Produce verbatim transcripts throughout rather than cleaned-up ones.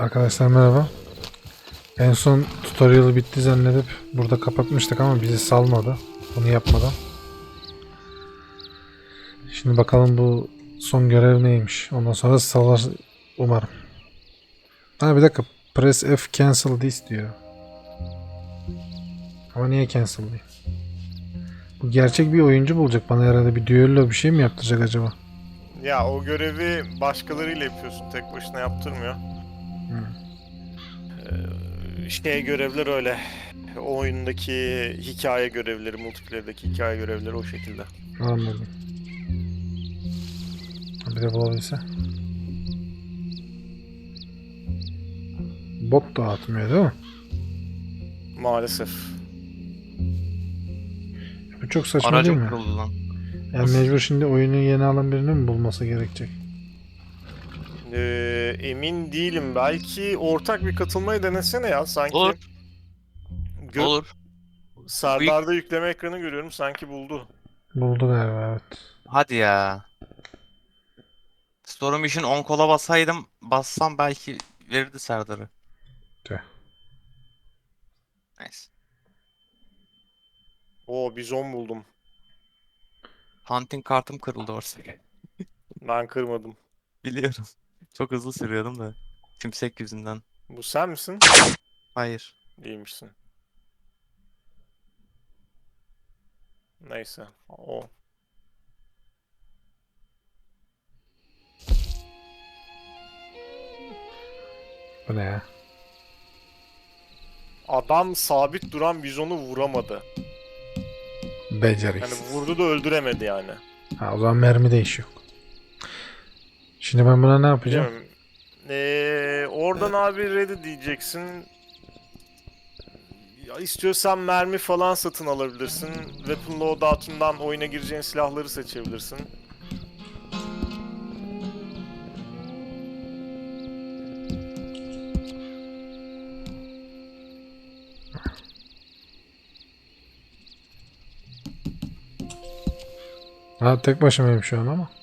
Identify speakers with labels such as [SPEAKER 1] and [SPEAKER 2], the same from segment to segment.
[SPEAKER 1] Arkadaşlar merhaba. En son tutorial bitti zannedip burada kapatmıştık ama bizi salmadı. Bunu yapmadan. Şimdi bakalım bu son görev neymiş. Ondan sonra salar umarım. Ha bir dakika. Press F cancel this diyor. Ama niye cancel diyor? Bu gerçek bir oyuncu bulacak. Bana herhalde bir düello bir şey mi yaptıracak acaba?
[SPEAKER 2] Ya o görevi başkalarıyla yapıyorsun. Tek başına yaptırmıyor.
[SPEAKER 1] Hmm.
[SPEAKER 2] Ee, şey görevler öyle. O oyundaki hikaye görevleri, multiplayer'daki hikaye görevleri o şekilde.
[SPEAKER 1] Anladım. Bir de bulabilse. Bot da atmıyor değil mi?
[SPEAKER 2] Maalesef.
[SPEAKER 1] Bu çok saçma değil
[SPEAKER 3] Aracım
[SPEAKER 1] mi?
[SPEAKER 3] kırıldı lan.
[SPEAKER 1] Yani mecbur şimdi oyunu yeni alan birini mi bulması gerekecek?
[SPEAKER 2] Ee, emin değilim. Belki ortak bir katılmayı denesene ya. Sanki
[SPEAKER 3] Olur.
[SPEAKER 2] Gö-
[SPEAKER 3] Olur.
[SPEAKER 2] Serdar'da yükleme ekranı görüyorum. Sanki buldu.
[SPEAKER 1] Buldu galiba evet.
[SPEAKER 3] Hadi ya. Storm için on kola basaydım, bassam belki verirdi Serdar'ı.
[SPEAKER 1] Tüh.
[SPEAKER 3] Neyse.
[SPEAKER 2] Oo, bizon buldum.
[SPEAKER 3] Hunting kartım kırıldı orada.
[SPEAKER 2] Ben kırmadım.
[SPEAKER 3] Biliyorum. Çok hızlı sürüyordum da. Tümsek yüzünden.
[SPEAKER 2] Bu sen misin?
[SPEAKER 3] Hayır.
[SPEAKER 2] Değilmişsin. Neyse. O.
[SPEAKER 1] Bu ne ya?
[SPEAKER 2] Adam sabit duran bizonu vuramadı. Yani
[SPEAKER 1] Beceriksiz.
[SPEAKER 2] vurdu da öldüremedi yani.
[SPEAKER 1] Ha, o zaman mermi değişiyor. Şimdi ben buna ne yapacağım?
[SPEAKER 2] Bilmiyorum. Ee, oradan abi ready diyeceksin. Ya istiyorsan mermi falan satın alabilirsin. Weapon loadout'undan oyuna gireceğin silahları seçebilirsin.
[SPEAKER 1] Ha tek başımayım şu an ama.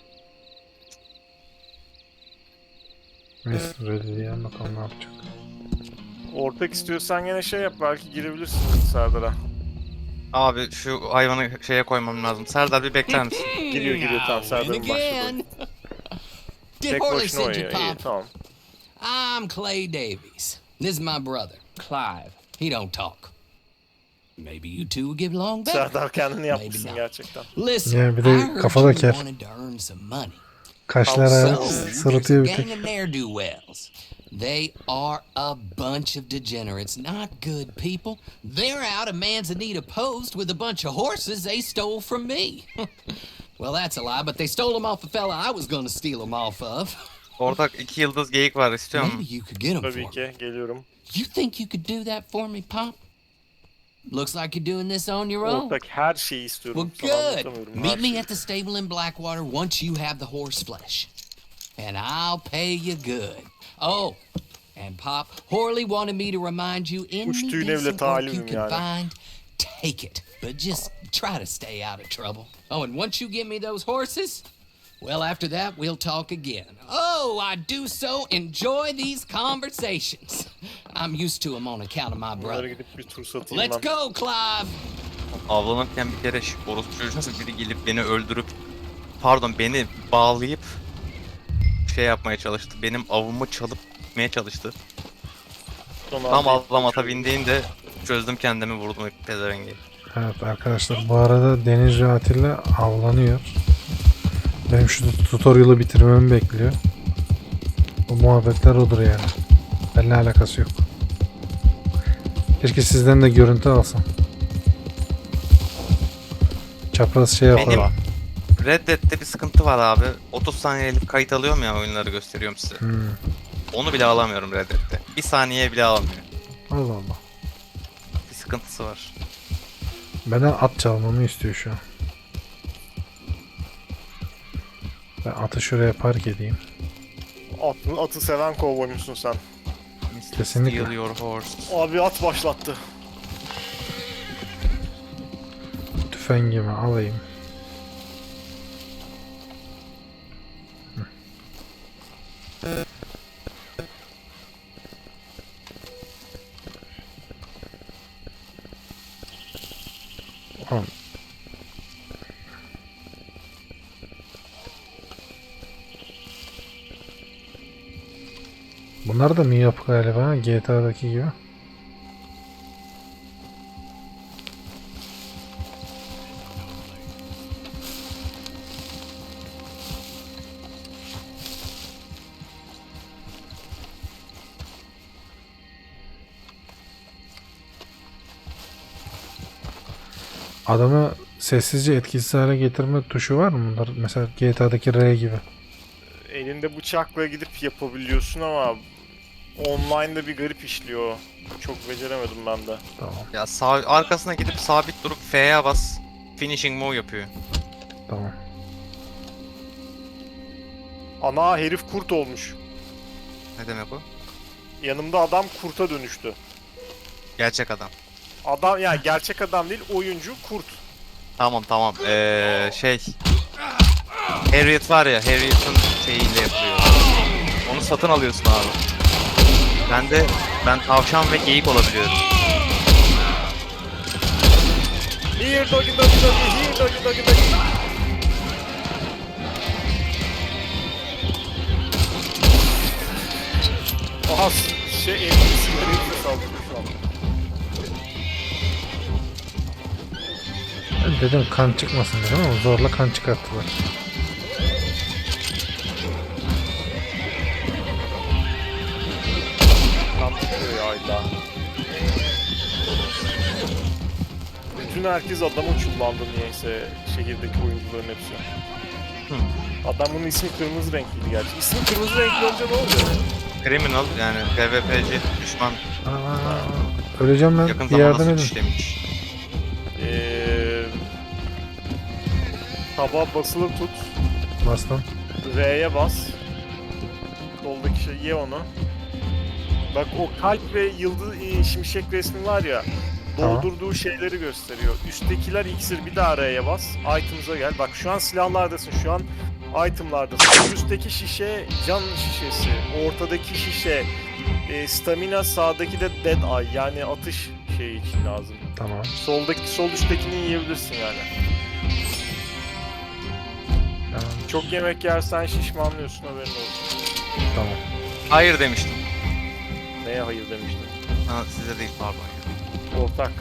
[SPEAKER 1] Neyse ready diyelim bakalım ne yapacak.
[SPEAKER 2] Ortak istiyorsan gene şey yap, belki girebilirsin Serdar'a.
[SPEAKER 3] Abi şu hayvanı şeye koymam lazım. Serdar bir bekler misin?
[SPEAKER 2] Giriyor giriyor tamam, Serdar'ın başladı.
[SPEAKER 4] Did
[SPEAKER 2] Tek
[SPEAKER 4] Horley
[SPEAKER 2] başına
[SPEAKER 4] send you,
[SPEAKER 2] oynuyor, iyi
[SPEAKER 4] Pop?
[SPEAKER 2] tamam.
[SPEAKER 4] I'm Clay Davies. This is my brother, Clive. He don't talk. Maybe you two will get along better.
[SPEAKER 2] Serdar kendini yapmışsın
[SPEAKER 4] not.
[SPEAKER 2] gerçekten.
[SPEAKER 4] Listen,
[SPEAKER 1] Ya bir
[SPEAKER 4] I
[SPEAKER 1] de
[SPEAKER 4] heard
[SPEAKER 1] kafa da
[SPEAKER 4] you
[SPEAKER 1] ker.
[SPEAKER 4] wanted to earn some money.
[SPEAKER 1] Kaşlara
[SPEAKER 2] Oh,
[SPEAKER 4] So,
[SPEAKER 1] sırıtıyor bir
[SPEAKER 4] there's a gang
[SPEAKER 1] tek.
[SPEAKER 4] of ne'er-do-wells. They are a bunch of degenerates, not good people. They're out of Manzanita Post with a bunch of horses they stole from me. Well, that's a lie, but they stole them off a fella I was gonna steal them off of.
[SPEAKER 3] Ortak iki yıldız geyik var, istiyor
[SPEAKER 4] Maybe
[SPEAKER 3] musun?
[SPEAKER 4] you could get them
[SPEAKER 2] Tabii
[SPEAKER 4] for me.
[SPEAKER 2] ki geliyorum.
[SPEAKER 4] You think you could do that for me, Pop? Looks like you're doing this on your own.
[SPEAKER 2] Ortak her şeyi istiyorum.
[SPEAKER 4] Well,
[SPEAKER 2] Sana
[SPEAKER 4] good.
[SPEAKER 2] anlatamıyorum, her
[SPEAKER 4] Meet me
[SPEAKER 2] şeyi.
[SPEAKER 4] at the stable in Blackwater once you have the horse flesh. And I'll pay you good. Oh, and Pop, Horley wanted me to remind you, any
[SPEAKER 2] Kuş tüyüne bile
[SPEAKER 4] decent work
[SPEAKER 2] talimim
[SPEAKER 4] you can
[SPEAKER 2] yani.
[SPEAKER 4] find, take it. But just try to stay out of trouble. Oh, and once you give me those horses, well, after that, we'll talk again. Oh, I do so enjoy these conversations. I'm used to them on account of my
[SPEAKER 2] Bunlara
[SPEAKER 4] brother.
[SPEAKER 2] gidip bir tur satayım
[SPEAKER 4] Let's
[SPEAKER 2] ben.
[SPEAKER 4] go, Clive.
[SPEAKER 3] Avlanırken bir kere şu orospu çocuğu biri gelip beni öldürüp, pardon beni bağlayıp şey yapmaya çalıştı. Benim avımı çalıp gitmeye çalıştı.
[SPEAKER 2] Sonra
[SPEAKER 3] Tam
[SPEAKER 2] atlayıp
[SPEAKER 3] avlam ata
[SPEAKER 2] kaçıyorum.
[SPEAKER 3] bindiğinde çözdüm kendimi, vurdum pezevengi.
[SPEAKER 1] Evet arkadaşlar bu arada Deniz ve Atilla avlanıyor. Benim şu tutorial'ı bitirmemi bekliyor. Bu muhabbetler odur yani. Benimle alakası yok. Keşke sizden de görüntü alsam. Çapraz şey
[SPEAKER 3] Benim
[SPEAKER 1] yapalım.
[SPEAKER 3] Red Dead'de bir sıkıntı var abi. otuz saniyelik kayıt alıyorum ya, oyunları gösteriyorum size.
[SPEAKER 1] Hmm.
[SPEAKER 3] Onu bile alamıyorum Red Dead'de. Bir saniye bile alamıyor.
[SPEAKER 1] Allah Allah.
[SPEAKER 3] Bir sıkıntısı var.
[SPEAKER 1] Benden at çalmamı istiyor şu an. Ben atı şuraya park edeyim.
[SPEAKER 2] Atı, atı seven kovboymuşsun sen.
[SPEAKER 1] Kesinlikle.
[SPEAKER 3] Steal your horse.
[SPEAKER 2] Abi at başlattı.
[SPEAKER 1] Tüfengimi alayım. Bunlar da mı yapı galiba G T A'daki gibi? Adamı sessizce etkisiz hale getirme tuşu var mı bunlar? Mesela G T A'daki R gibi.
[SPEAKER 2] Elinde bıçakla gidip yapabiliyorsun ama online'da bir garip işliyor. Çok beceremedim ben de.
[SPEAKER 1] Tamam,
[SPEAKER 3] Ya sağ arkasına gidip sabit durup F'ye bas. Finishing move yapıyor.
[SPEAKER 1] tamam.
[SPEAKER 2] Ana herif kurt olmuş.
[SPEAKER 3] Ne demek o?
[SPEAKER 2] Yanımda adam kurta dönüştü.
[SPEAKER 3] Gerçek adam.
[SPEAKER 2] Adam yani gerçek adam değil, oyuncu kurt.
[SPEAKER 3] Tamam tamam. Ee, şey. Harriet var ya, Harriet'ın şeyiyle yapıyor. Onu satın alıyorsun abi. Ben de ben tavşan ve geyik olabiliyorum.
[SPEAKER 2] Here doggy doggy doggy, here doggy doggy doggy. Aha şey elini sigarayı saldırıyor şu an.
[SPEAKER 1] Ben dedim kan çıkmasın dedim ama zorla kan çıkarttılar.
[SPEAKER 2] Tam tutuyor ya illa. Bütün herkes adama çullandı niyeyse şehirdeki oyuncuların hepsi.
[SPEAKER 3] Hı.
[SPEAKER 2] Adamın ismi kırmızı renkliydi gerçi. İsmi kırmızı renkli olunca ne oluyor?
[SPEAKER 3] Criminal yani PvP'ci düşman
[SPEAKER 1] Aa, öleceğim ben.
[SPEAKER 3] yakın
[SPEAKER 1] Bir yardım
[SPEAKER 3] zamanda
[SPEAKER 1] edin.
[SPEAKER 3] suç işlemiş.
[SPEAKER 2] Eee... Tabağa basılı tut.
[SPEAKER 1] Bastım.
[SPEAKER 2] R'ye bas. Soldaki şey ye onu. Bak o kalp ve yıldız e, şimşek resmi var ya.
[SPEAKER 1] Tamam.
[SPEAKER 2] Doldurduğu şeyleri gösteriyor. Üsttekiler iksir, bir daha R'ye bas. Items'a gel. Bak şu an silahlardasın. Şu an itemlardasın. Üstteki şişe can şişesi. Ortadaki şişe e, stamina, sağdaki de dead eye. Yani atış şeyi için lazım.
[SPEAKER 1] Tamam.
[SPEAKER 2] Soldaki sol üsttekini yiyebilirsin yani.
[SPEAKER 1] Tamam.
[SPEAKER 2] Çok yemek yersen şişmanlıyorsun, haberin olsun.
[SPEAKER 1] Tamam.
[SPEAKER 3] Hayır demiştim.
[SPEAKER 2] Neye hayır demiştin?
[SPEAKER 3] Ha, size değil pardon ya.
[SPEAKER 2] Ortak.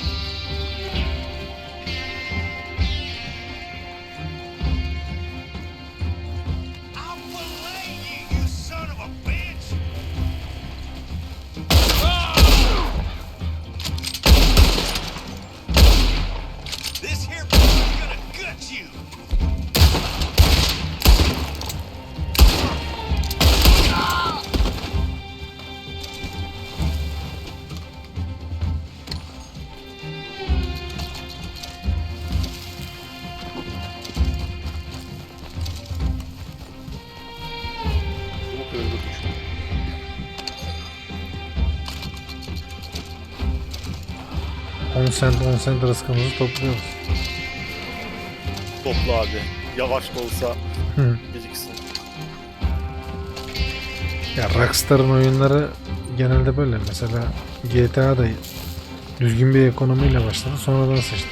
[SPEAKER 5] This here is gonna gut you.
[SPEAKER 2] Bu kırıldı düştü.
[SPEAKER 1] on cent on cent rızkımızı topluyoruz.
[SPEAKER 2] Topla abi. Yavaş da olsa
[SPEAKER 1] Hı.
[SPEAKER 2] biriksin.
[SPEAKER 1] Ya Rockstar'ın oyunları genelde böyle. Mesela G T A'da düzgün bir ekonomiyle başladı, sonradan sıçtı.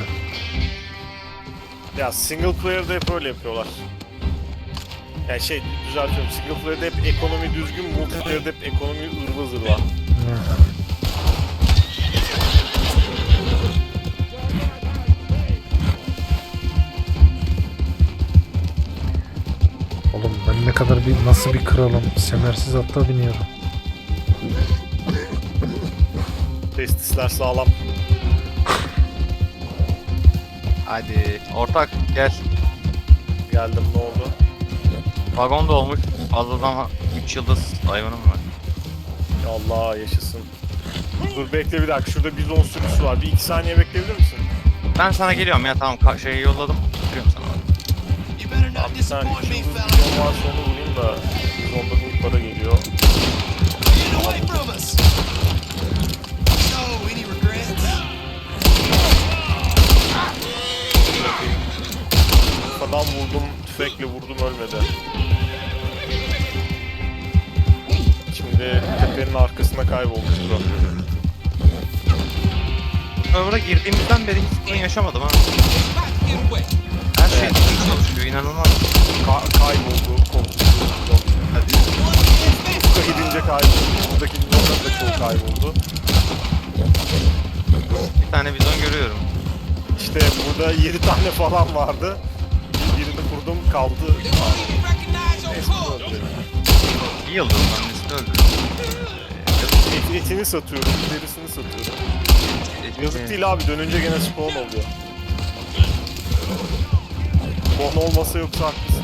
[SPEAKER 2] Ya single player'da hep öyle yapıyorlar. Yani şey düzeltiyorum. Single player'da hep ekonomi düzgün, multiplayer'da hep ekonomi ırva zırva.
[SPEAKER 1] Hı. Oğlum ben ne kadar bir nasıl bir kralım. Semersiz atta biniyorum.
[SPEAKER 2] Testisler sağlam.
[SPEAKER 3] Hadi ortak gel.
[SPEAKER 2] Geldim, ne oldu?
[SPEAKER 3] Vagon da olmuş. Fazladan üç yıldız hayvanım var.
[SPEAKER 2] Ya Allah yaşasın. Dur bekle bir dakika. Şurada bizon sürüsü var. Bir iki saniye bekleyebilir misin?
[SPEAKER 3] Ben sana geliyorum ya tamam ka- şeyi yolladım. Getiriyorum sana.
[SPEAKER 5] You better not
[SPEAKER 2] Abi bir saniye.
[SPEAKER 5] disappoint me,
[SPEAKER 2] Şurada
[SPEAKER 5] fella.
[SPEAKER 2] bizon varsa onu vurayım da. Bizonda büyük para geliyor.
[SPEAKER 5] Get away from us. So, any regrets?
[SPEAKER 2] Kafadan vurdum, tüfekle vurdum, ölmedi. Şimdi tepenin arkasına kaybolmuştur o.
[SPEAKER 3] Server'a girdiğimizden beri hiç sorun yaşamadım ha.
[SPEAKER 4] Get away.
[SPEAKER 3] Her şey düzgün çalışıyor inanılmaz.
[SPEAKER 2] Ka kayboldu, korktu.
[SPEAKER 3] Hadi.
[SPEAKER 2] gidince kayboldu. Buradaki bizonların da çoğu kayboldu.
[SPEAKER 3] Bir tane bizon görüyorum.
[SPEAKER 2] İşte burada yedi tane falan vardı. Birini kurdum kaldı. Neyse, öldü.
[SPEAKER 3] Bir yıldız annesini öldürdüm.
[SPEAKER 2] Et, etini satıyorum, derisini satıyorum. Yazık değil abi, dönünce gene spawn oluyor. Spawn olmasa yoksa haklısın.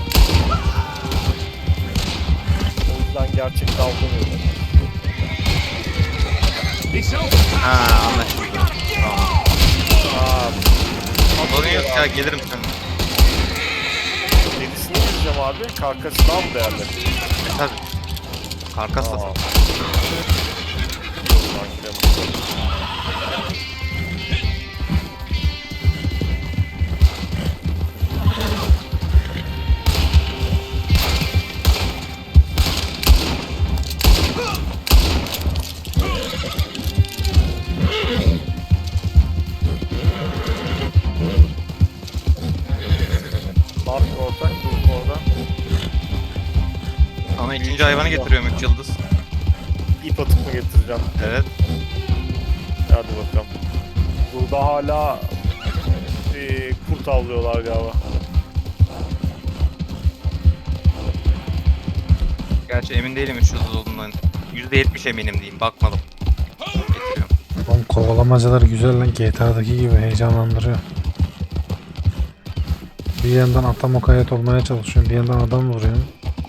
[SPEAKER 2] O yüzden gerçek davranıyorum.
[SPEAKER 3] Ha anlaşıldı. Tamam.
[SPEAKER 2] Aa,
[SPEAKER 3] Sorun yok ya, gelirim seninle.
[SPEAKER 2] derisini gireceğim abi, karkası daha mı değerli?
[SPEAKER 3] E tabi. Karkas da
[SPEAKER 2] Aa.
[SPEAKER 3] sat.
[SPEAKER 2] Yoldan gidelim. Ne yaptın ortak? Durdun orada.
[SPEAKER 3] Sana ikinci hayvanı getiriyorum üç yıldız.
[SPEAKER 2] İp atıp mı getireceğim?
[SPEAKER 3] Evet.
[SPEAKER 2] Hadi bakalım. Burada hala eee kurt avlıyorlar galiba.
[SPEAKER 3] Gerçi emin değilim üç yıldız olduğundan. yüzde yetmiş eminim diyeyim, bakmadım. Getiriyorum.
[SPEAKER 1] Oğlum kovalamacalar güzel lan, G T A'daki gibi heyecanlandırıyor. Bir yandan ata mukayyet olmaya çalışıyorum, bir yandan adam vuruyorum.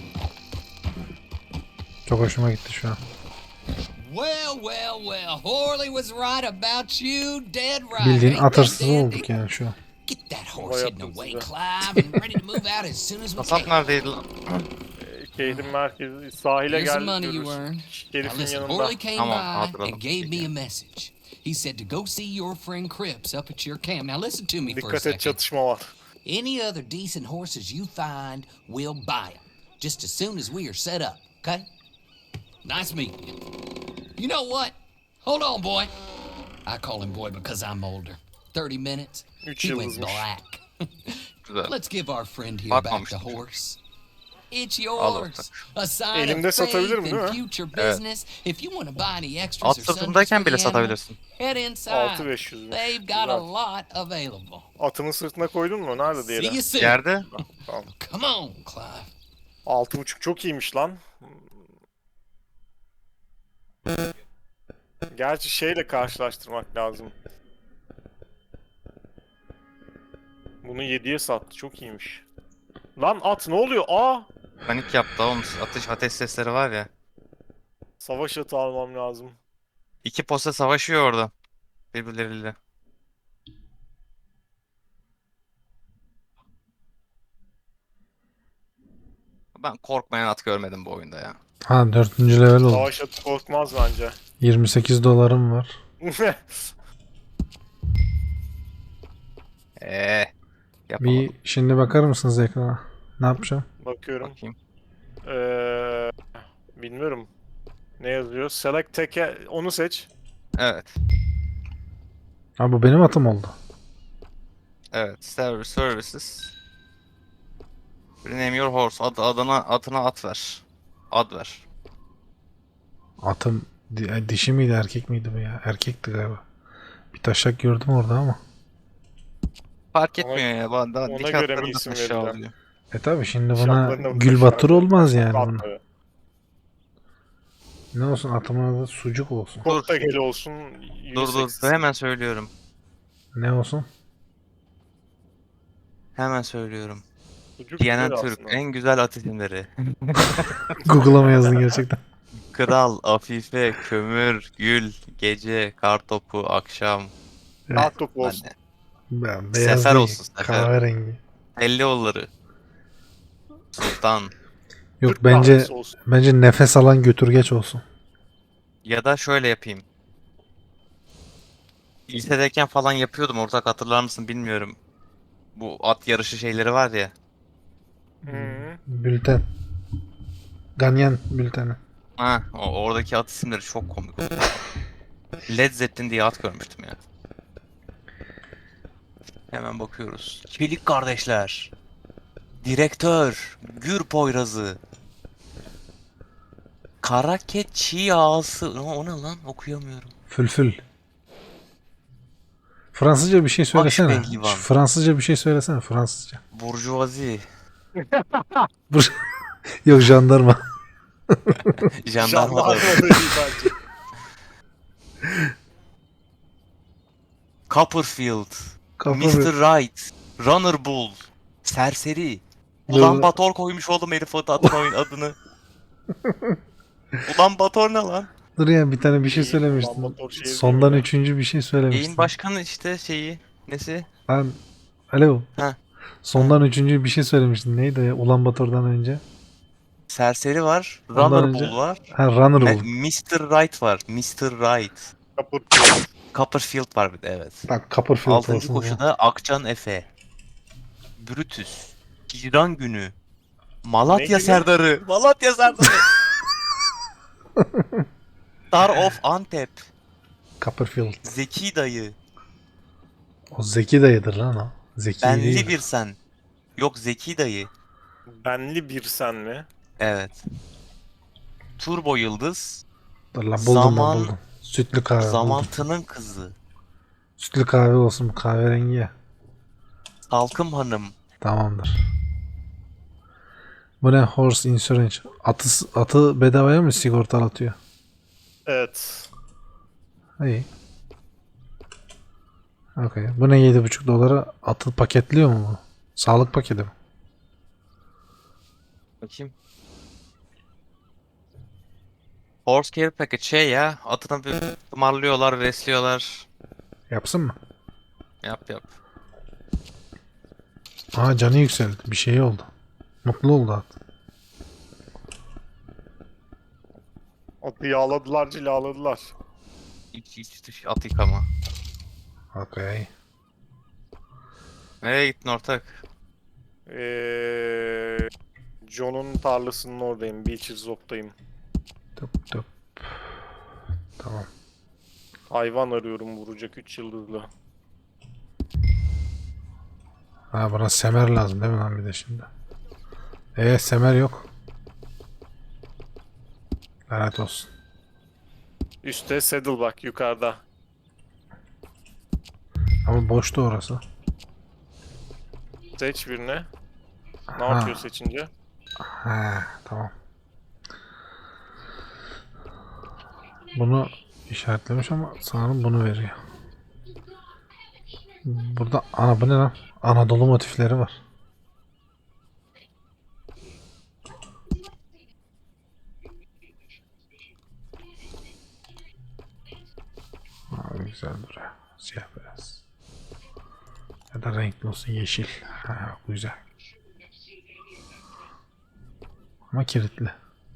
[SPEAKER 1] Çok hoşuma gitti şu an.
[SPEAKER 4] Well, well, well. Horley was right about you, dead right.
[SPEAKER 1] Bildiğin
[SPEAKER 4] Ain't that
[SPEAKER 1] atırsız
[SPEAKER 4] dandy?
[SPEAKER 1] olduk yani şu an.
[SPEAKER 4] Get that horse hidden away,
[SPEAKER 2] yaptım
[SPEAKER 4] Clive, and ready to move out as soon as we
[SPEAKER 3] Kasap
[SPEAKER 4] can.
[SPEAKER 3] neredeydi lan?
[SPEAKER 2] Eee, Şehrin merkezi, sahile
[SPEAKER 4] Here's the
[SPEAKER 2] geldik
[SPEAKER 4] money you
[SPEAKER 2] görürsün.
[SPEAKER 4] earned. Now
[SPEAKER 2] Şerifin
[SPEAKER 4] listen,
[SPEAKER 2] yanında.
[SPEAKER 4] Horley came
[SPEAKER 3] Tamam,
[SPEAKER 4] by
[SPEAKER 3] hatırladım.
[SPEAKER 4] and gave me a message. He said to go see your friend Cripps up at your camp. Now listen to me for a
[SPEAKER 2] Dikkat et,
[SPEAKER 4] second.
[SPEAKER 2] çatışma var.
[SPEAKER 4] Any other decent horses you find, we'll buy them. Just as soon as we are set up, okay? Nice meeting you. You know what? Hold on, boy. I call him boy because I'm older. Thirty minutes.
[SPEAKER 2] Üç
[SPEAKER 4] He went
[SPEAKER 2] yıldızmış.
[SPEAKER 4] black.
[SPEAKER 3] Güzel.
[SPEAKER 4] Let's give our friend here back the
[SPEAKER 3] Bakmamıştım.
[SPEAKER 4] horse. It's
[SPEAKER 3] Al
[SPEAKER 4] yours. A sign
[SPEAKER 2] Elimde
[SPEAKER 4] of faith
[SPEAKER 2] satabilirim, değil
[SPEAKER 4] and
[SPEAKER 2] mi?
[SPEAKER 4] future
[SPEAKER 3] Evet.
[SPEAKER 4] business. If you want to buy any extras
[SPEAKER 3] At
[SPEAKER 4] or sundries
[SPEAKER 3] sırtındayken
[SPEAKER 4] for
[SPEAKER 3] bile
[SPEAKER 4] the animal,
[SPEAKER 3] satabilirsin.
[SPEAKER 4] head inside.
[SPEAKER 2] altı bin beş yüzmüş.
[SPEAKER 4] They've got a
[SPEAKER 2] Güzel.
[SPEAKER 4] lot available.
[SPEAKER 2] Atımın sırtına koydun mu? Nerede
[SPEAKER 4] See
[SPEAKER 2] diyelim?
[SPEAKER 4] you soon.
[SPEAKER 3] Yerde.
[SPEAKER 2] Tamam.
[SPEAKER 4] Come on, Clive.
[SPEAKER 2] Altı buçuk çok iyiymiş lan. Gerçi şeyle karşılaştırmak lazım. Bunu yediye sattı. Çok iyiymiş. Lan at ne oluyor? Aa!
[SPEAKER 3] Panik yaptı oğlum. Atış ateş sesleri var ya.
[SPEAKER 2] Savaş atı almam lazım.
[SPEAKER 3] İki posta savaşıyor orada. Birbirleriyle. Ben korkmayan at görmedim bu oyunda ya.
[SPEAKER 1] Ha, dördüncü level oldu.
[SPEAKER 2] Savaş atı korkmaz bence.
[SPEAKER 1] yirmi sekiz dolarım var.
[SPEAKER 3] Eee. Yapamadım.
[SPEAKER 1] Bir şimdi bakar mısınız ekrana? Ne yapacağım?
[SPEAKER 2] Bakıyorum.
[SPEAKER 3] Bakayım.
[SPEAKER 2] Ee, bilmiyorum. Ne yazıyor? Select teke onu seç.
[SPEAKER 3] Evet.
[SPEAKER 1] Ha, bu benim atım oldu.
[SPEAKER 3] Evet. Service services. Rename your horse. Ad, adına, atına at ver. Ad ver.
[SPEAKER 1] Atım di- dişi miydi erkek miydi bu ya? Erkekti galiba. Bir taşak gördüm orada ama.
[SPEAKER 3] Fark
[SPEAKER 2] Ona-
[SPEAKER 3] etmiyor ya. Bana,
[SPEAKER 2] ona
[SPEAKER 3] dik
[SPEAKER 2] göre mi
[SPEAKER 3] atlarında
[SPEAKER 2] isim
[SPEAKER 3] taşa
[SPEAKER 2] vereceğim?
[SPEAKER 3] alıyor.
[SPEAKER 1] E tabi şimdi buna
[SPEAKER 2] Şartlarına
[SPEAKER 1] gül
[SPEAKER 2] bakın,
[SPEAKER 1] batır
[SPEAKER 2] şartlarına.
[SPEAKER 1] olmaz yani
[SPEAKER 2] At
[SPEAKER 1] buna.
[SPEAKER 2] tabii.
[SPEAKER 1] Ne olsun, atımın adı sucuk olsun.
[SPEAKER 2] Çok da gel olsun.
[SPEAKER 3] Dur dur.
[SPEAKER 2] unisex.
[SPEAKER 3] Hemen söylüyorum.
[SPEAKER 1] Ne olsun?
[SPEAKER 3] Hemen söylüyorum.
[SPEAKER 2] Sucuk
[SPEAKER 3] D N N
[SPEAKER 2] güzel
[SPEAKER 3] Türk.
[SPEAKER 2] aslında.
[SPEAKER 3] En güzel at isimleri.
[SPEAKER 1] Google'a mı yazdın gerçekten?
[SPEAKER 3] Kral, Afife, Kömür, Gül, Gece, Kartopu, Akşam.
[SPEAKER 2] At topu olsun.
[SPEAKER 3] Anne.
[SPEAKER 1] Ben beyaz
[SPEAKER 3] Sefer
[SPEAKER 1] değil,
[SPEAKER 3] olsun, sefer.
[SPEAKER 1] kahverengi.
[SPEAKER 3] Ellioğulları. Sultan.
[SPEAKER 1] Yok,
[SPEAKER 2] Türk
[SPEAKER 1] bence
[SPEAKER 2] kahvesi olsun.
[SPEAKER 1] bence nefes alan götürgeç olsun.
[SPEAKER 3] Ya da şöyle yapayım. Lisedeyken falan yapıyordum. Ortak hatırlar mısın bilmiyorum. Bu at yarışı şeyleri var ya.
[SPEAKER 2] Hı.
[SPEAKER 1] Bülten. Ganyan bülteni.
[SPEAKER 3] Ha, o, oradaki at isimleri çok komik. Led Zeppelin diye at görmüştüm ya. Hemen bakıyoruz. Çelik kardeşler. Direktör. Gür Poyrazı. Karake çiğ ağası. O, o ne lan? Okuyamıyorum.
[SPEAKER 1] Fülfül. Fransızca bir şey söylesene.
[SPEAKER 3] Akşehirlivan.
[SPEAKER 1] Şu Fransızca bir şey söylesene Fransızca.
[SPEAKER 3] Burjuvazi.
[SPEAKER 1] Bur- Yok jandarma.
[SPEAKER 3] Jandarma da.
[SPEAKER 2] Jandarma da iyi bence.
[SPEAKER 3] Copperfield.
[SPEAKER 1] Kapı
[SPEAKER 3] mister Right. Runner Bull. Serseri. Ulan Bator koymuş oğlum herif o atın oyun adını. Ulan Bator ne lan?
[SPEAKER 1] Dur ya bir tane bir şey
[SPEAKER 2] İyi,
[SPEAKER 1] söylemiştin.
[SPEAKER 2] Ulan Bator şey
[SPEAKER 1] Sondan
[SPEAKER 2] yazıyor ya.
[SPEAKER 1] üçüncü bir şey söylemiştin.
[SPEAKER 3] Yayın başkanı işte şeyi. Nesi?
[SPEAKER 1] Lan alo.
[SPEAKER 3] Ha.
[SPEAKER 1] Sondan üçüncü bir şey söylemiştin. Neydi ya? Ulan Bator'dan önce.
[SPEAKER 3] Serseri var.
[SPEAKER 1] Ondan
[SPEAKER 3] Runner
[SPEAKER 1] önce-
[SPEAKER 3] Bull var.
[SPEAKER 1] Ha Runner
[SPEAKER 3] Me-
[SPEAKER 1] Bull.
[SPEAKER 3] mister Right var. mister Right.
[SPEAKER 2] Kaput.
[SPEAKER 3] Copperfield var bir de evet.
[SPEAKER 1] Bak Copperfield
[SPEAKER 3] Altıncı
[SPEAKER 1] olsun ya.
[SPEAKER 3] koşuda Akcan Efe. Brutus. Hicran Günü. Malatya
[SPEAKER 2] Ne gibi?
[SPEAKER 3] Serdarı. Malatya Serdarı. Star of Antep.
[SPEAKER 1] Copperfield.
[SPEAKER 3] Zeki Dayı.
[SPEAKER 1] O Zeki dayıdır lan o. Zeki
[SPEAKER 3] Benli
[SPEAKER 1] değil.
[SPEAKER 3] bir sen. Yok Zeki Dayı.
[SPEAKER 2] Benli bir sen mi?
[SPEAKER 3] Evet. Turbo Yıldız.
[SPEAKER 1] Dur lan buldum
[SPEAKER 3] Zaman-
[SPEAKER 1] ben buldum. Sütlü kahve buldum.
[SPEAKER 3] Zamantının Kızı.
[SPEAKER 1] Sütlü kahve olsun bu kahverengi ya.
[SPEAKER 3] Salkım Hanım.
[SPEAKER 1] Tamamdır. Bu ne? Horse Insurance. Atı, atı bedavaya mı sigortalatıyor?
[SPEAKER 2] Evet.
[SPEAKER 1] İyi. Okey. Bu ne yedi buçuk dolara atı paketliyor mu bu? Sağlık paketi mi?
[SPEAKER 3] Bakayım. Horse Care Package şey ya. Atını bir tımarlıyorlar, resliyorlar.
[SPEAKER 1] Yapsın mı?
[SPEAKER 3] Yap yap.
[SPEAKER 1] Aa canı yükseldi. Bir şey oldu. Mutlu oldu at.
[SPEAKER 2] Atı yağladılar, cilaladılar.
[SPEAKER 3] İç iç dış at yıkama.
[SPEAKER 1] Okey.
[SPEAKER 3] Nereye gittin ortak?
[SPEAKER 2] Ee, John'un tarlasının oradayım. Beaches Op'tayım.
[SPEAKER 1] Tıp tıp. Tamam.
[SPEAKER 2] Hayvan arıyorum vuracak üç yıldızlı.
[SPEAKER 1] Ha bana semer lazım değil mi lan bir de şimdi? Eee semer yok. Lanet olsun.
[SPEAKER 2] Üste saddle bak yukarıda.
[SPEAKER 1] Ama boştu orası.
[SPEAKER 2] Seç birine. Ne
[SPEAKER 1] Ha.
[SPEAKER 2] yapıyor seçince?
[SPEAKER 1] Ha tamam. Bunu işaretlemiş ama sanırım bunu veriyor. Burada ana bu ne lan? Anadolu motifleri var. Abi güzel duruyor. Siyah beyaz. Ya da renkli olsun yeşil. Ha, güzel. Ama kilitli.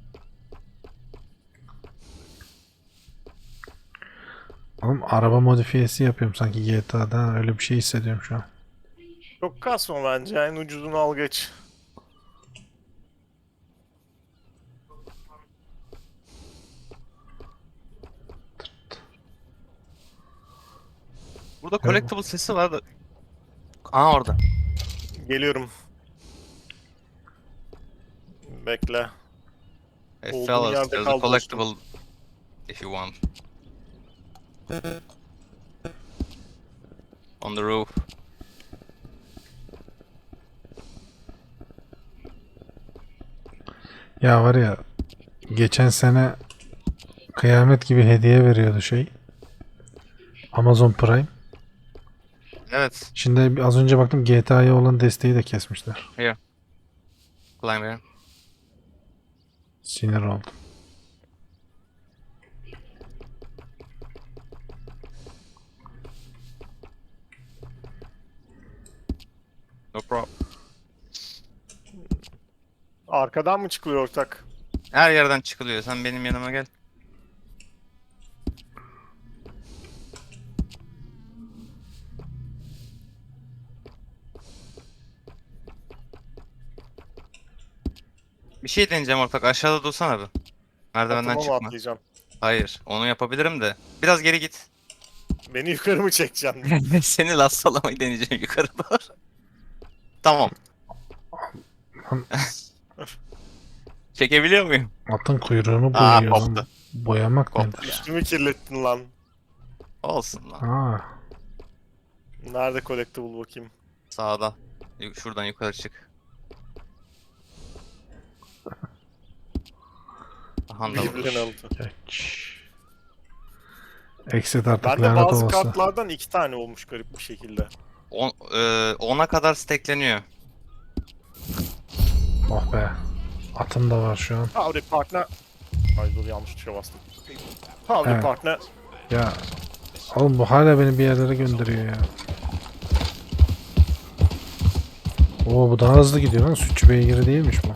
[SPEAKER 1] Oğlum araba modifiyesi yapıyorum sanki G T A'da öyle bir şey hissediyorum şu an.
[SPEAKER 2] Çok kasma bence. En ucuzunu al geç.
[SPEAKER 3] Burada collectible sesi var da. Aa orada.
[SPEAKER 2] Geliyorum. Bekle.
[SPEAKER 3] Hey
[SPEAKER 2] Olduğum
[SPEAKER 3] fellas,
[SPEAKER 2] yerde
[SPEAKER 3] there's a
[SPEAKER 2] kal
[SPEAKER 3] collectible if you want. On the roof.
[SPEAKER 1] Ya var ya geçen sene kıyamet gibi hediye veriyordu şey. Amazon Prime.
[SPEAKER 3] Evet.
[SPEAKER 1] Şimdi az önce baktım G T A'ya olan desteği de kesmişler.
[SPEAKER 3] Climb here.
[SPEAKER 1] Sinir oldum.
[SPEAKER 3] No problem.
[SPEAKER 2] Arkadan mı çıkılıyor ortak?
[SPEAKER 3] Her yerden çıkılıyor. Sen benim yanıma gel. Bir şey deneyeceğim ortak. Aşağıda dursana bir. Merdivenden
[SPEAKER 2] Atıma mı
[SPEAKER 3] çıkma.
[SPEAKER 2] atlayacağım?
[SPEAKER 3] Hayır. Onu yapabilirim de. Biraz geri git.
[SPEAKER 2] Beni yukarı mı çekeceksin?
[SPEAKER 3] Seni lastalamayı deneyeceğim yukarı doğru. Tamam. Çekebiliyor muyum?
[SPEAKER 1] Atın kuyruğunu
[SPEAKER 3] Aa,
[SPEAKER 1] boyuyor lan.
[SPEAKER 3] koptu.
[SPEAKER 1] Boyamak
[SPEAKER 3] Koptu.
[SPEAKER 1] nedir?
[SPEAKER 2] Üstümü kirlettin lan.
[SPEAKER 3] Olsun lan.
[SPEAKER 1] Aa,
[SPEAKER 2] Nerede collectible bakayım?
[SPEAKER 3] Sağda. Yu- Şuradan yukarı çık. Aha da
[SPEAKER 2] Birbirine
[SPEAKER 3] vurmuş.
[SPEAKER 2] altı.
[SPEAKER 1] geç. Exit artık
[SPEAKER 2] Bende
[SPEAKER 1] lanet
[SPEAKER 2] bazı
[SPEAKER 1] olası.
[SPEAKER 2] kartlardan iki tane olmuş garip bir şekilde.
[SPEAKER 3] On, e, ona kadar stackleniyor.
[SPEAKER 1] Oh be. Atım da var şu an.
[SPEAKER 2] Howdy partner. Ay dur yanlış tuşa bastım. Howdy
[SPEAKER 1] Evet.
[SPEAKER 2] partner.
[SPEAKER 1] Ya. Oğlum bu hala beni bir yerlere gönderiyor ya. Oo bu daha hızlı gidiyor lan. Sütçü beygiri değilmiş bu.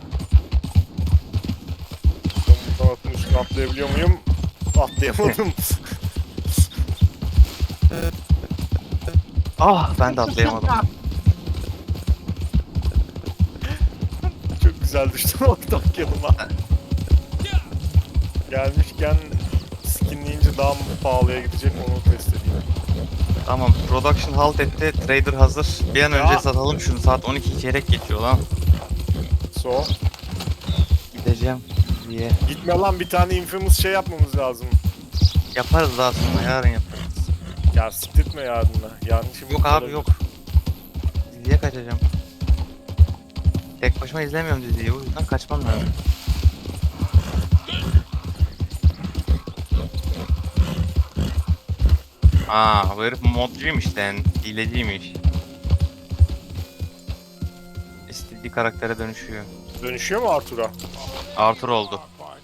[SPEAKER 2] Buradan atın üstüne atlayabiliyor muyum? Atlayamadım.
[SPEAKER 3] Ah ben de atlayamadım.
[SPEAKER 2] Çok güzel düştüm ortak yanıma. Gelmişken skinleyince daha mı pahalıya gidecek onu test edeyim.
[SPEAKER 3] Tamam, production halt etti. Trader hazır. Bir an önce
[SPEAKER 2] Ya.
[SPEAKER 3] satalım şunu. Saat on iki çeyrek geçiyor lan.
[SPEAKER 2] So.
[SPEAKER 3] Gideceğim diye.
[SPEAKER 2] Gitme lan bir tane infamous şey yapmamız lazım.
[SPEAKER 3] Yaparız daha sonra. Yarın yaparız.
[SPEAKER 2] Ya siktirtme yarınla. Yarın işim
[SPEAKER 3] Yok abi
[SPEAKER 2] olabilir.
[SPEAKER 3] yok. Diziye kaçacağım. Tek başıma izlemiyorum diziyi. O yüzden kaçmam lazım. Aa, bu herif modcuymuş lan. Hileciymiş. İstediği karaktere dönüşüyor.
[SPEAKER 2] Dönüşüyor mu Arthur'a?
[SPEAKER 3] Arthur oldu.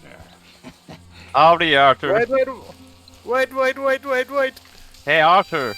[SPEAKER 3] Howdy Arthur.
[SPEAKER 2] Wait wait. Wait wait wait wait wait.
[SPEAKER 3] Hey Arthur.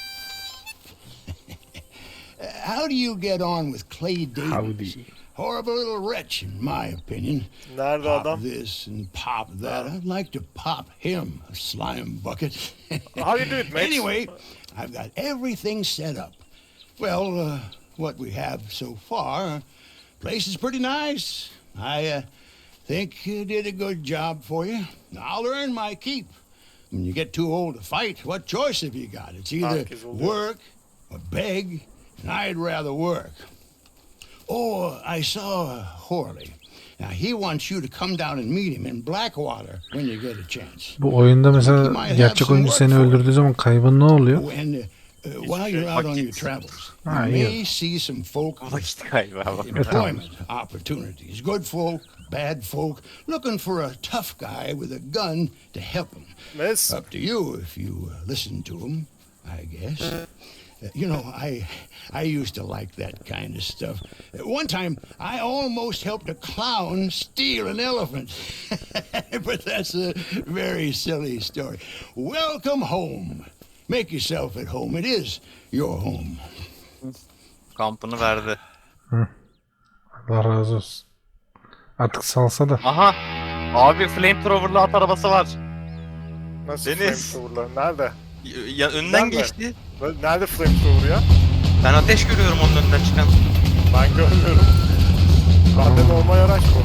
[SPEAKER 6] How do you get on with Clay Davis?
[SPEAKER 1] Howdy.
[SPEAKER 6] Horrible little wretch, in my opinion.
[SPEAKER 2] Nerede
[SPEAKER 6] Pop
[SPEAKER 2] adam?
[SPEAKER 6] this and pop that. I'd like to pop him, a slime bucket.
[SPEAKER 2] How you do it, mate?
[SPEAKER 6] Anyway, I've got everything set up. Well, uh, what we have so far, place is pretty nice. I uh, think you did a good job for you. I'll earn my keep. When you get too old to fight, what choice have you got? It's either
[SPEAKER 2] Herkes oluyor.
[SPEAKER 6] work or beg, and I'd rather work. Oh, I saw Horley. Now, he wants you to come down and meet him in Blackwater when you get a chance.
[SPEAKER 1] Bu oyunda mesela gerçek oyuncu seni öldürdüğü zaman kaybın ne oluyor?
[SPEAKER 6] Oh, and uh, uh, while you're out on your travels,
[SPEAKER 1] Ah,
[SPEAKER 6] you
[SPEAKER 1] yeah.
[SPEAKER 6] may see some folk with
[SPEAKER 3] Vakit kaybı abi.
[SPEAKER 6] employment opportunities. Good folk, bad folk, looking for a tough guy with a gun to help them.
[SPEAKER 2] Mes.
[SPEAKER 6] Up to you if you uh, listen to him, I guess. Uh, you know, I I used to like that kind of stuff. Uh, one time, I almost helped a clown steal an elephant. But that's a very silly story. Welcome home. Make yourself at home. It is your home.
[SPEAKER 3] Kampını verdi.
[SPEAKER 1] Allah razı olsun. Artık salsa da.
[SPEAKER 3] Aha! Abi flamethrower'lı at arabası var.
[SPEAKER 2] Nasıl
[SPEAKER 3] Deniz.
[SPEAKER 2] flamethrower'lar? Nerede?
[SPEAKER 3] Y- Ya, önden
[SPEAKER 2] Nerede?
[SPEAKER 3] geçti.
[SPEAKER 2] Nerede flamethrower ya?
[SPEAKER 3] Ben ateş görüyorum onun önünden çıkan.
[SPEAKER 2] Ben görmüyorum. Bende normal araç bu.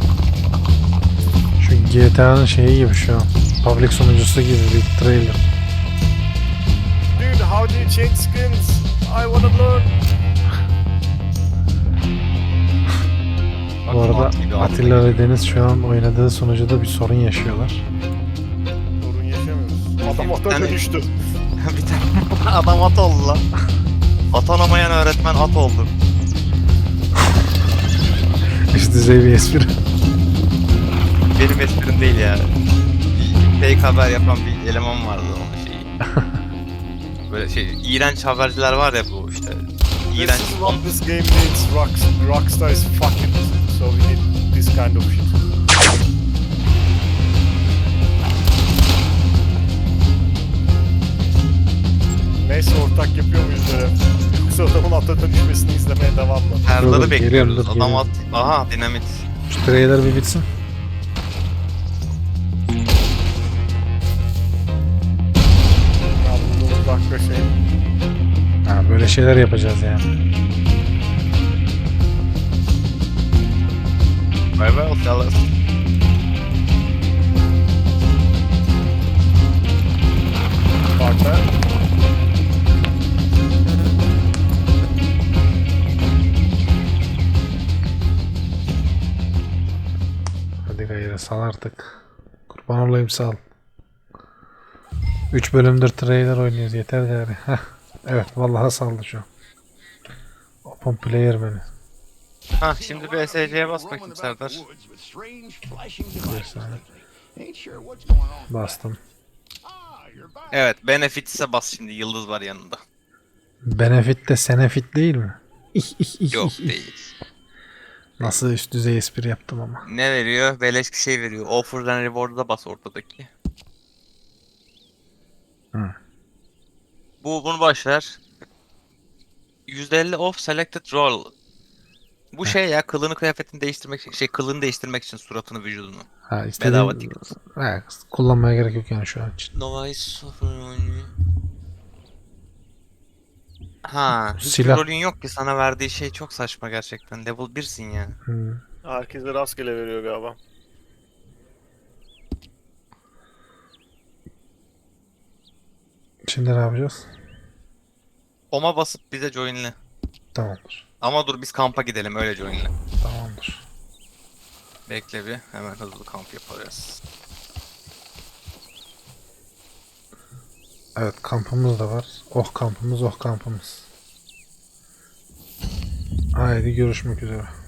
[SPEAKER 1] Şu G T A'nın şeyi gibi şu an. Public sunucusu gibi bir trailer.
[SPEAKER 2] Dude, how do you change skins? I wanna learn.
[SPEAKER 1] Bu arada Atilla ve Deniz şu an oynadığı sunucuda bir sorun yaşıyorlar.
[SPEAKER 2] Sorun yaşamıyoruz. Adam ata
[SPEAKER 3] Yani-
[SPEAKER 2] dönüştü.
[SPEAKER 3] Bir tane adam at oldu lan. Atanamayan öğretmen at oldu.
[SPEAKER 1] Üst düzey bir espri.
[SPEAKER 3] Benim esprim değil yani. Bir fake haber yapan bir eleman vardı onun şeyi. Böyle şey, iğrenç haberciler var ya bu işte.
[SPEAKER 2] This
[SPEAKER 3] İğrenç.
[SPEAKER 2] is what this game needs. Rock, Rockstar is fucking. So we need this kind of shit. Neyse ortak yapıyor muyuz böyle? Yoksa adamın ata dönüşmesini izlemeye devam mı?
[SPEAKER 1] Dur,
[SPEAKER 3] Herları
[SPEAKER 1] dur,
[SPEAKER 3] bekliyoruz.
[SPEAKER 1] geliyorum, dur,
[SPEAKER 3] Adam
[SPEAKER 1] geliyorum.
[SPEAKER 3] at. Aha dinamit.
[SPEAKER 1] Şu trailer bir bitsin.
[SPEAKER 2] Ya bulduğumuz dakika şey.
[SPEAKER 1] Ha, böyle şeyler yapacağız yani.
[SPEAKER 3] Bay bay hoşçakalın.
[SPEAKER 2] Partner.
[SPEAKER 1] Hadi gayrı. şöyle sal artık. Kurban olayım sal. üç bölümdür trailer oynuyoruz yeter de yani. Heh. Evet vallahi saldı şu an. Open player menü.
[SPEAKER 3] Ha şimdi B S C'ye bas bakayım Serdar.
[SPEAKER 1] Bir saniye. Bastım.
[SPEAKER 6] Evet.
[SPEAKER 3] Evet Benefits'e bas şimdi yıldız var yanında.
[SPEAKER 1] Benefit de senefit değil mi? İh, ih, ih,
[SPEAKER 3] Yok
[SPEAKER 1] ih, ih.
[SPEAKER 3] değil.
[SPEAKER 1] Nasıl üst düzey espri yaptım ama.
[SPEAKER 3] Ne veriyor? Beleş bir şey veriyor. Offers and Reward'a da bas ortadaki.
[SPEAKER 1] Hı.
[SPEAKER 3] Bu bunu boş ver. yüzde elli off selected role. Bu şey ya kılını kıyafetini değiştirmek şey kılını değiştirmek için suratını vücudunu.
[SPEAKER 1] Ha
[SPEAKER 3] Bedava
[SPEAKER 1] istediğim...
[SPEAKER 3] ticket.
[SPEAKER 1] Ha, kullanmaya gerek yok yani şu an için.
[SPEAKER 3] Novice Ha, hiçbir
[SPEAKER 1] Silah.
[SPEAKER 3] rolün yok ki sana verdiği şey çok saçma gerçekten. Level birsin ya.
[SPEAKER 1] Hmm.
[SPEAKER 2] Herkese rastgele veriyor galiba.
[SPEAKER 1] Şimdi ne yapacağız?
[SPEAKER 3] Oma basıp bize joinle.
[SPEAKER 1] Tamamdır.
[SPEAKER 3] Ama dur biz kampa gidelim öyle joinle.
[SPEAKER 1] Tamamdır.
[SPEAKER 3] Bekle bir hemen hızlı kamp yaparız.
[SPEAKER 1] Evet kampımız da var. Oh kampımız oh kampımız. Haydi görüşmek üzere.